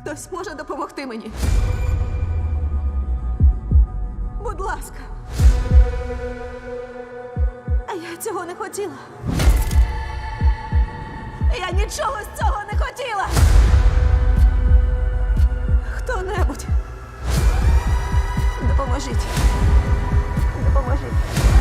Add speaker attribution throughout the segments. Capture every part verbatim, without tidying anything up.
Speaker 1: Хтось може допомогти мені? Будь ласка. А я цього не хотіла. Я нічого з цього не хотіла. Хто-небудь. Допоможіть. Допоможіть.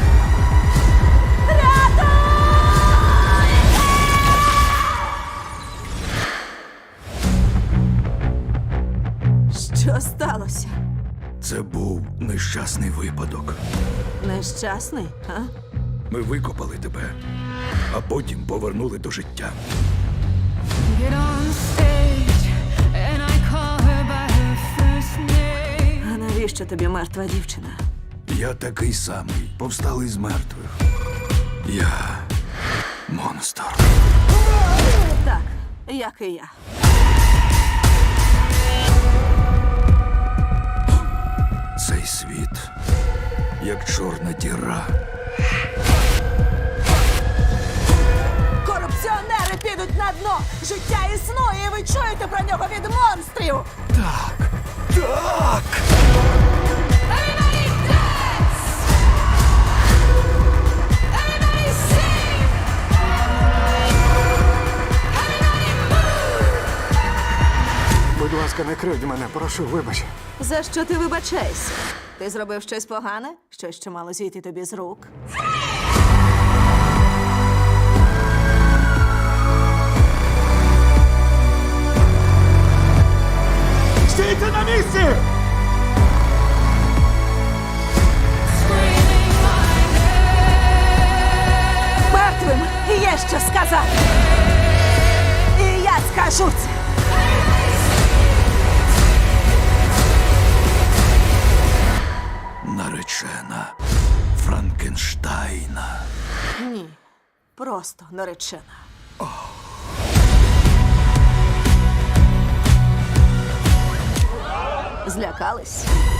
Speaker 1: Що сталося?
Speaker 2: Це був нещасний випадок.
Speaker 1: Нещасний, а?
Speaker 2: Ми викопали тебе, а потім повернули до життя.
Speaker 3: Get on stage and I call her by her first name.
Speaker 1: А навіщо тобі мертва дівчина?
Speaker 2: Я такий самий, повсталий з мертвих. Я монстр.
Speaker 1: Так, як і я.
Speaker 2: Цей світ, як чорна діра.
Speaker 1: Корупціонери підуть на дно! Життя існує, і ви чуєте про нього від монстрів!
Speaker 2: Так, так!
Speaker 3: Everybody dance! Everybody sing! Everybody move!
Speaker 4: Будь ласка, не кривдь мене, прошу, вибач.
Speaker 1: За що ти вибачаєшся? Ти зробив щось погане? Щось, що мало зійти тобі з рук?
Speaker 4: Стійте на місці!
Speaker 3: Screaming my name!
Speaker 1: Мертвим є що сказати! І я скажу це!
Speaker 2: Наречена Франкенштайна.
Speaker 1: Ні, просто наречена. Злякались?